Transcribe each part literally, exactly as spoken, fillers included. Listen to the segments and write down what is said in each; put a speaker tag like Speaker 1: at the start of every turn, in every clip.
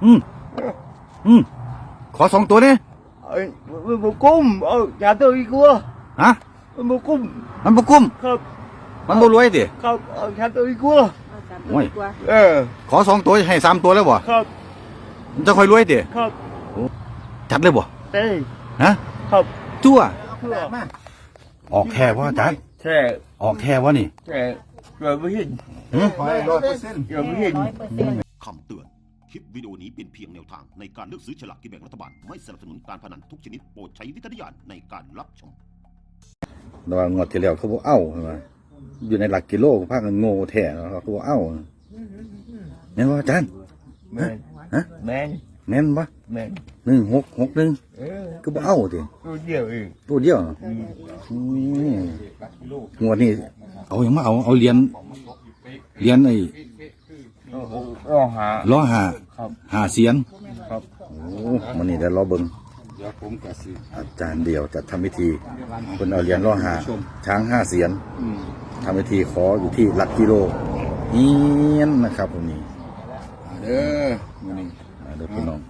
Speaker 1: อืมอืมขอสองตัวเนี่ย
Speaker 2: một cung ở nhà tôi cua
Speaker 1: ฮะ
Speaker 2: một cung
Speaker 1: มันบุกุ้ม
Speaker 2: không
Speaker 1: มันบุรวยดิ
Speaker 2: không ở nhà tôi cua
Speaker 1: โอ้ย
Speaker 2: ờ
Speaker 1: ขอสองตัวให้สามตัวแล้วบ่
Speaker 2: không
Speaker 1: มันจะค่อยรวยดิ
Speaker 2: không
Speaker 1: จัดเลยบ่
Speaker 2: đây
Speaker 1: ฮะ
Speaker 2: không
Speaker 1: จั่ว
Speaker 2: chưa
Speaker 1: ออกแค่ว่าอาจารย์
Speaker 2: xe
Speaker 1: ออกแค่ว่านี่
Speaker 2: xe rồi mới hình
Speaker 1: หืม
Speaker 2: rồi mới hình
Speaker 3: คำเตือน คลิปวิดีโอนี้เป็นเพียงแนวทางในการเลือกซื้อฉลากกินแบ่งรัฐบาล ไม่สนับสนุนการพนันทุกชนิดโปรดใช้วิจารณญาณในการรับชม
Speaker 1: ระหว่างงวดที่แล้วเขาบอกเอ้าใช่ไหมอยู่ในหลักกิโลภาคกันโง่แท้เขาบอกเอ้าแม่นว่าอาจารย์
Speaker 2: men
Speaker 1: ฮะ
Speaker 2: men
Speaker 1: แม่นปะ
Speaker 2: men
Speaker 1: หนึ่งหกหกหนึ่ง
Speaker 2: ừ
Speaker 1: ก็บอกเอ้าดิ
Speaker 2: tôi nhiều ừ
Speaker 1: ตัวเดียวอืมงวดนี้เอาอย่างมาเอาเอาเหรียญเหรียญไอ้
Speaker 2: lo hả
Speaker 1: ล้อหา
Speaker 2: không
Speaker 1: หาเสียน
Speaker 2: không
Speaker 1: โอ้มันนี่ได้ล้อเบิงอาจารย์เดียวจะทำพิธีคนเอาเหรียญล้อหาช้างห้าเสียนทำพิธีขออยู่ที่หลักกิโลเฮียนนะครับตรงนี้
Speaker 4: เด้อมื้อนี้
Speaker 1: มาเด้อพี่น้อง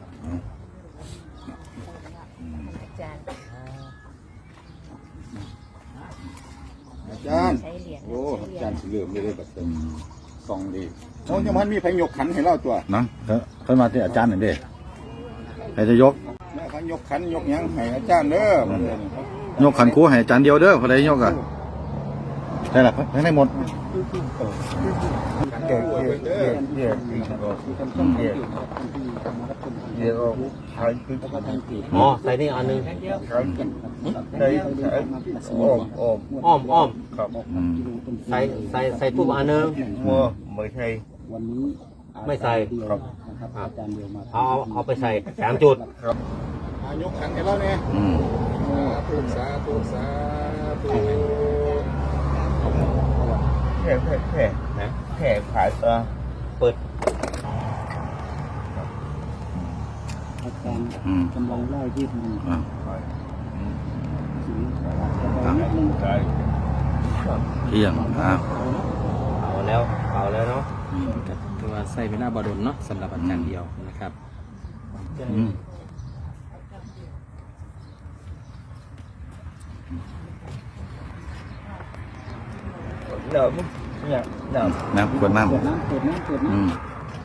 Speaker 4: อาจารย์
Speaker 5: ใช้เหรียญ
Speaker 4: โอ้อาจารย์สิเริ่มเลยเด้อบัด
Speaker 1: อื
Speaker 4: นี้
Speaker 1: ม
Speaker 4: ส่องดีโอ้ยังมันมีไผยกขันให้เราตัว
Speaker 1: นะเพิ่นมาที่อาจารย์หน่อยเด้ใครจะยก
Speaker 4: แม่เขายกขันยกหยังให้อาจารย์เด้อมื้อนี้
Speaker 1: ยกขันครูให้อาจารย์เดียวเด้อพอได้ยกอ่ะได้ละให้ได้หมด
Speaker 2: để để để để thì có để để có thấy cái
Speaker 6: อ๋อใส่นี่อันหนึง
Speaker 2: thấy thấy ôm ôm
Speaker 6: อ้อมอ้อม
Speaker 2: không
Speaker 1: อืม
Speaker 6: ใส่ใส่ใส่ทูบอันหนึง
Speaker 2: mua mới thấy
Speaker 6: ไม่ใส่
Speaker 2: không
Speaker 6: เอาเอาเอาไปใส่สามจุด
Speaker 4: อ่ายกขันให้เราแน่
Speaker 1: อืม
Speaker 4: สาธุสาธุ
Speaker 2: thẻ thẻ thẻ thẻ phải ờ
Speaker 6: เปิด
Speaker 1: อืม
Speaker 5: กำลังไล่ที่มัน
Speaker 1: อ่ะ
Speaker 2: cái
Speaker 1: เที่ยงอ่ะ
Speaker 6: เอาแล้วเอาแล้วเนาะ
Speaker 1: อืม
Speaker 7: ถือว่าใส่เป็นหน้าบดลเนาะสำหรับอาจารย์เดียวนะครับ
Speaker 1: อืม
Speaker 2: nở nhẹ nở
Speaker 1: น้ำขวดน้
Speaker 5: เปิดน้ำเปิดน้ำเปิด
Speaker 1: ำอื
Speaker 5: น้ำ
Speaker 1: ม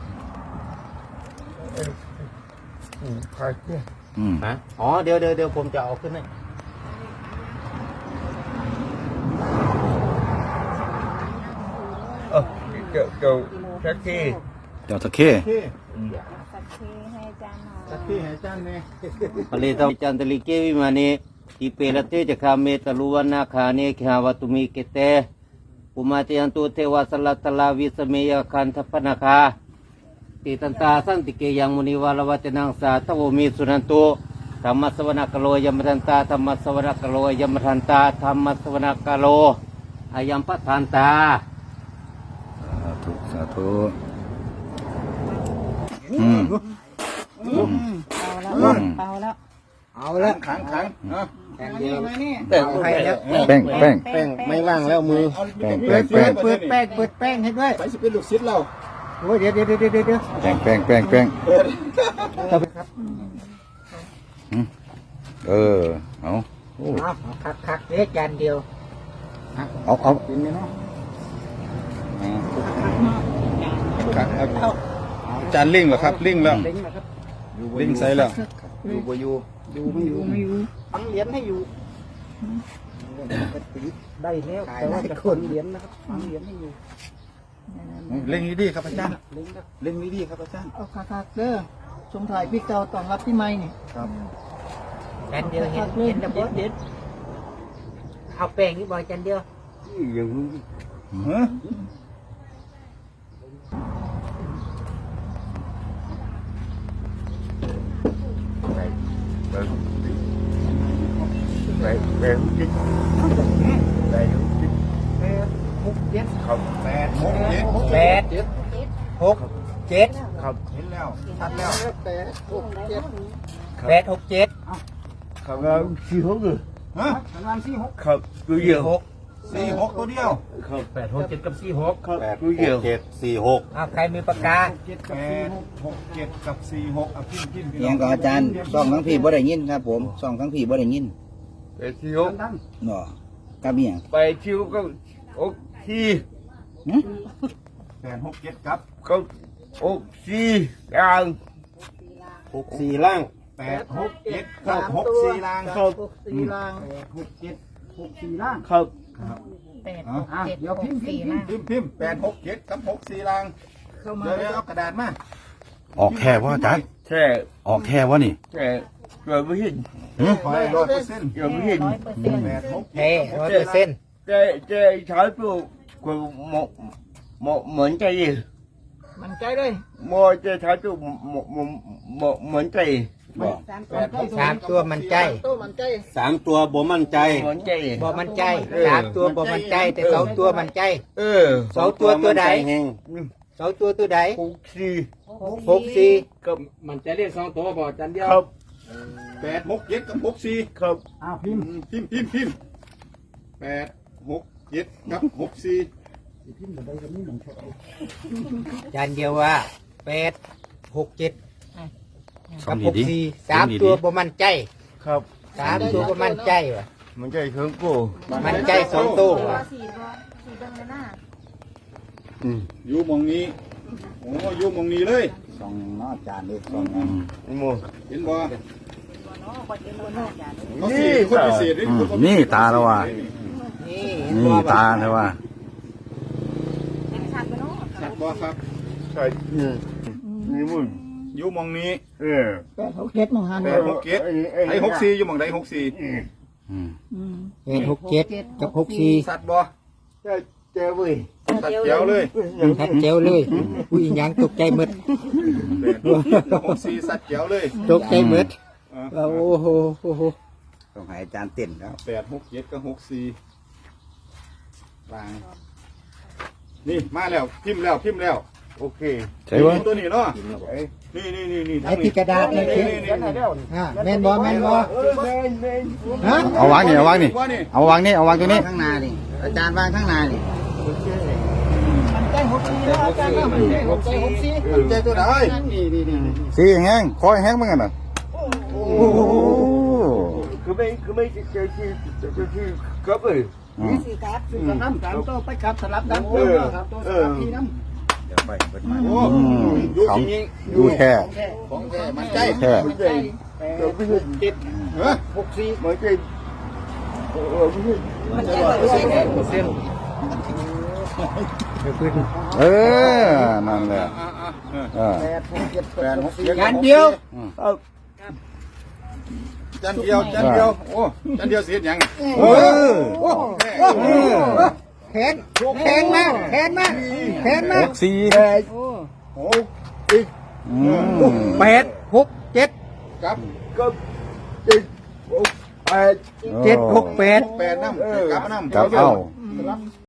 Speaker 2: phải chứ
Speaker 1: อืม
Speaker 6: ฮะอ๋อเดี๋ยวเดี๋ยวเดี๋ยวผมจะเอาขึ้นให้
Speaker 2: ờ kiểu kiểu cái kia
Speaker 1: เจ้าตะเข้
Speaker 5: สักทีให้อาจารย์หน่อย
Speaker 4: สักที่ให้อาจารย์แน่
Speaker 6: ปริตจันตลิเกวิมานีทิเปรเตจะคาเมตลุวันนาคาเนขาวตุมิเกเตปุมาเตยันตุเทวสลัตตลาวิสเมยคันทปนาคาติตันตาสันติเกยังมุนิวาลวัตนังสาทวมีสุนันตุธรรมสวนกโลยมทันตาธรรมสวนกโลยมทันตาธรรมสวนกโลอายัมปทันตา
Speaker 1: สาธุสาธุอืม
Speaker 5: เอาแล้วเอาแล้ว
Speaker 4: เอาละขังขังเนาะ
Speaker 2: แต่ให้แล้ว
Speaker 1: แป้งแป้ง
Speaker 5: แป้ง
Speaker 2: ไม่ว่างแล้วมือ
Speaker 1: แป้งแป้งแป้ง
Speaker 5: เปิดแป้งเปิดแป้งให้ด้วย
Speaker 4: ไปสิเป็นลูกศิษย์เรา
Speaker 5: โอ้ยเดี๋ยวเดี๋ยวเดี๋ยวเดี๋ยวเดี๋ยว
Speaker 1: แป้งแป้งแป้งแป้งอืมเออเอาโอ้
Speaker 5: เอาคักคักเดี๋ยวจานเดียว
Speaker 1: เอาเอา
Speaker 4: เป็นไงเนาะอ่าครับเอาอาจารย์ลิงเหรอครับลิงแล้ว
Speaker 5: เล้งนะครับ
Speaker 4: ลิงใส่แล้ว
Speaker 2: อยู่บ่อยู่
Speaker 5: อยู่ไม่อยู่ไม่อยู่ฟังเหรียญให้อยู่ได้แล้วแต่ว่าจะคนเหรียญนะครับฟังเหรียญให้อยู่
Speaker 4: เล่งดีๆครับอาจารย์
Speaker 5: เล้งครับ
Speaker 4: เล่งดีๆครับอาจารย์
Speaker 5: เอาคักคักเด้อชมถ่ายพี่เก่าตอนรับพี่ใหม่นี่
Speaker 4: ครับ
Speaker 8: จานเดียวเห็นเห็นระเบิด
Speaker 5: เด็ด
Speaker 8: เอาแป้งนี่บ่อยจานเดียว
Speaker 2: อยู่
Speaker 4: ฮะ
Speaker 2: vậy về hút chích về hút chích
Speaker 5: หกเจ็ด
Speaker 2: không
Speaker 4: แปดหกเจ็ด
Speaker 8: แปดหกเจ็ด
Speaker 2: không
Speaker 4: เห็นแล้วชัดแล้ว
Speaker 5: แปดหกเจ็ด
Speaker 8: แปดหกเจ็ด
Speaker 2: không uh, siêu hút rồi
Speaker 4: ฮะ
Speaker 5: ประมาณสี่หก
Speaker 2: không cứ giờ hút
Speaker 4: สี่หกตัวเดียว
Speaker 8: แปดหกเจ็ดกับสี่หก
Speaker 1: แปดหกเจ็ดสี่หก
Speaker 8: เอาใครมีปากกา
Speaker 4: แปดหกเจ็ดกับสี่หกอ่ะพิมพ์พิมพ์พี่
Speaker 5: เอีย
Speaker 4: น้อง ง
Speaker 5: กับอาจารย์สองทั้งพี่บ่ได้ยินครับผมสองทั้งพี่บ่ได้ยิน
Speaker 2: ไปชิว
Speaker 5: เนาะกับเมียง
Speaker 2: ไปชิวก็โอ้ที่
Speaker 4: แปดหกเจ็ดครับ
Speaker 2: ก็โอ้ที่กลาง
Speaker 1: หกสี่ล่าง
Speaker 4: แปดหกเจ็ดกับหกสี่ล่าง
Speaker 2: ครับ
Speaker 5: สี่ล่างหกเจ็ดหกสี่ล่าง
Speaker 2: ครับ
Speaker 9: แปดหกเจ็ดหกสี่นะ
Speaker 4: พิมพ์พิมพ์แปดหกเจ็ดกับหกสี่ล่างเดี๋ยวเดี๋ยวเอากระดาษมา
Speaker 1: ออกแค่ว่าอาจารย์
Speaker 2: แช่
Speaker 1: ออกแค่ว่านี่
Speaker 2: แช่เกิดไม่เห็น
Speaker 4: คอยร้อยเปอร์เซ็นต์
Speaker 2: เกิดไม่เห็น
Speaker 9: ร้อยเปอร์เซ็นต์
Speaker 4: แปดหก
Speaker 8: เฮ้ร้อยเปอร์เซ็นต์
Speaker 2: แช่แช่ใช้ตัวก็หมหมเหมือนใจ
Speaker 5: มันใจเลย
Speaker 2: โมจะใช้ตัวหมหมหมเหมือนใจ
Speaker 8: สามตัวมันใจ
Speaker 1: สามตัวบ่มั่นใจ
Speaker 2: เหมือนใจ
Speaker 8: บ่มันใจสามตัวบ่มันใจแต่สองตัวมันใจ
Speaker 2: เออ
Speaker 8: สองตัวตัวใด
Speaker 1: แห้ง
Speaker 8: สองตัวตัวใด
Speaker 2: หกสี่
Speaker 8: หกสี่
Speaker 2: กับ
Speaker 7: มันจะเรียกสองตัวบอกจันเดียว
Speaker 2: ครับ
Speaker 4: แปดหกเจ็ดกับหกสี่
Speaker 2: ครับ
Speaker 4: อ้าวพิมพ์พิมพ์พิมพ์พิมพ์แปดหกเจ็ดกับหกสี่
Speaker 8: จานเดียวว่าแปดหกเจ็ด
Speaker 1: สอ
Speaker 8: กั
Speaker 1: ง
Speaker 8: บ
Speaker 1: ดี
Speaker 8: หก
Speaker 1: ดี
Speaker 8: สี่สามตัวบ่มันใจ
Speaker 2: ครับ
Speaker 8: สามตัวบ่มันใจวะ
Speaker 2: มันใจเครื่องกู
Speaker 8: มันใจสองตัววะ
Speaker 9: สี่ตัวสี่ตัวเลยนะ
Speaker 4: อยู่หมองนี้โอ้อยู่หมองนี้เลย
Speaker 5: สองเนาะอาจารย์นี่สอง
Speaker 2: โม
Speaker 4: เห็นบ่
Speaker 2: นี่
Speaker 4: เขาสี่คนพิเศษนี่คน
Speaker 1: นี่ตาแล้วว่ะ
Speaker 8: นี่
Speaker 1: นี่ตาแล้วว่ะ
Speaker 9: เป็นชัดไปเนาะ
Speaker 4: สัตว์บ่ครับ
Speaker 2: ใช่นี่นี่มึง
Speaker 4: อยู่หมองนี้
Speaker 2: เออ
Speaker 5: แปดหกเจ็ดมองหัน
Speaker 4: แปดหกเจ็ดไอ้หกสี่อยู่หมองใดหกสี่
Speaker 1: อืม
Speaker 8: แปดหกเจ็ดกับหกสี่
Speaker 4: สัตว์บ่
Speaker 2: ใช่เจ้าเว้ย
Speaker 4: สัตว์เจียวเลย
Speaker 8: ชัดเจ๋วเลยผู้หญิงยังตกใจหมด
Speaker 4: แปดหกเจ็ดกับหกสี่สัตว์เจียวเลย
Speaker 8: ตกใจหมด
Speaker 4: อ่า
Speaker 8: โอ้โหโอ้โห
Speaker 5: ต้องให้อาจารย์เต้นแล้ว
Speaker 4: แปดหกเจ็ดกับหกสี่วางนี่มาแล้วพิมพ์แล้วพิมพ์แล้ว
Speaker 2: โอเค
Speaker 1: ใช่วะ
Speaker 4: ตัวนี้เนาะนี่นี่นี่นี่
Speaker 8: ไอ้ที่กระดาษนี่
Speaker 4: นี่
Speaker 8: คือ
Speaker 4: นี่นี่นี่
Speaker 8: อ่าแม่นบ่แม่นบ่ฮะ
Speaker 1: เอาวางนี่เอาวางนี่
Speaker 4: ว่านี่
Speaker 1: เอาวางนี่เอาวางตัวนี้
Speaker 5: ข้างหน้านี่อาจารย์วางข้างหน้านี่
Speaker 4: หกสี่ใจตัวไหนนี่นี่นี่
Speaker 1: สีแห้งคอยแห้งเหมือนกันน่ะโอ้โห
Speaker 2: คือไม่คือไม่เจ้าที่เจ้าที่ครับเอ้ย
Speaker 1: อืม
Speaker 5: สี่กับสี่กับน้ำสามตัวไปกับสลับดัง
Speaker 2: เออ
Speaker 5: ครับตัวส
Speaker 2: เอ
Speaker 5: ลั
Speaker 2: อบ
Speaker 5: พี่น้ำ
Speaker 4: เดี๋ยวไปเปิดมา
Speaker 1: อื
Speaker 4: โอ้
Speaker 1: ม
Speaker 4: ดู
Speaker 1: ของ
Speaker 4: จริง
Speaker 1: ดูแค่
Speaker 4: ของแท้มันใจ
Speaker 1: แค่
Speaker 2: มันใจเจ้าพี่เจ็ด
Speaker 4: เฮ้ย
Speaker 2: หกสี่มันใจเออพี่
Speaker 1: เออนั่นแหละ
Speaker 4: อ่าอ่า
Speaker 1: เออ
Speaker 4: แปดหกเจ็ดแปดหกเจ็ด
Speaker 8: จานเดียว
Speaker 4: จานเดียวจานเดียวโอ้จานเดียวเสียยัง
Speaker 1: เออ
Speaker 4: โอ้แม่
Speaker 1: เออ
Speaker 8: แขนแขนมาแขนมาแขน
Speaker 1: ห
Speaker 8: มาก
Speaker 1: สี่
Speaker 4: โอ้
Speaker 1: อืม
Speaker 8: แปดหกเจ็ด
Speaker 4: กับ
Speaker 2: ก็เจ็ดหกแปด
Speaker 8: เจ็ดหกแปด
Speaker 4: แปดน้ำกับน้ำ
Speaker 1: กับเอา